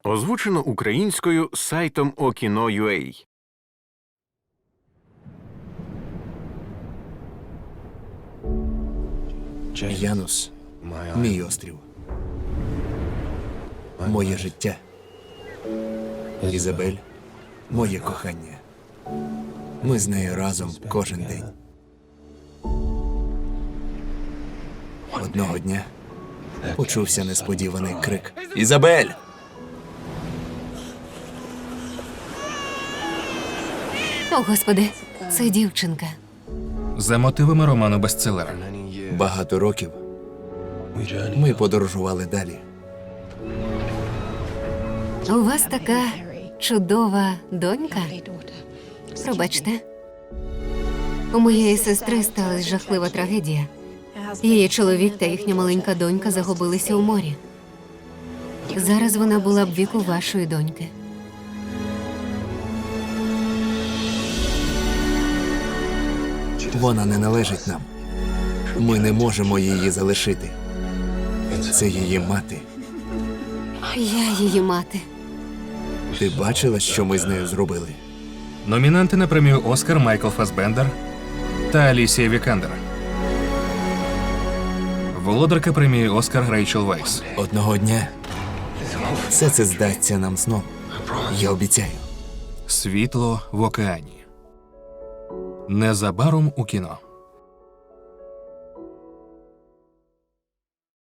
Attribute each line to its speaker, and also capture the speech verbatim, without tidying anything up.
Speaker 1: Озвучено українською сайтом Okino.ua.
Speaker 2: Янус – мій острів. Моє життя. Ізабель – моє кохання. Ми з нею разом кожен день. Одного дня почувся несподіваний крик. «Ізабель!»
Speaker 3: О, Господи, це дівчинка.
Speaker 4: За мотивами роману бестселера.
Speaker 2: Багато років ми подорожували далі.
Speaker 3: У вас така чудова донька. Пробачте. У моєї сестри сталася жахлива трагедія. Її чоловік та їхня маленька донька загубилися у морі. Зараз вона була б віку вашої доньки.
Speaker 2: Вона не належить нам. Ми не можемо її залишити. Це її мати.
Speaker 3: Я її мати.
Speaker 2: Ти бачила, що ми з нею зробили?
Speaker 4: Номінанти на премію «Оскар» Майкл Фассбендер та Алісія Вікандер. Володарка премії «Оскар» Рейчел Вайс.
Speaker 2: Одного дня все це здасться нам сном. Я обіцяю.
Speaker 4: «Світло в океані». Незабаром у кіно.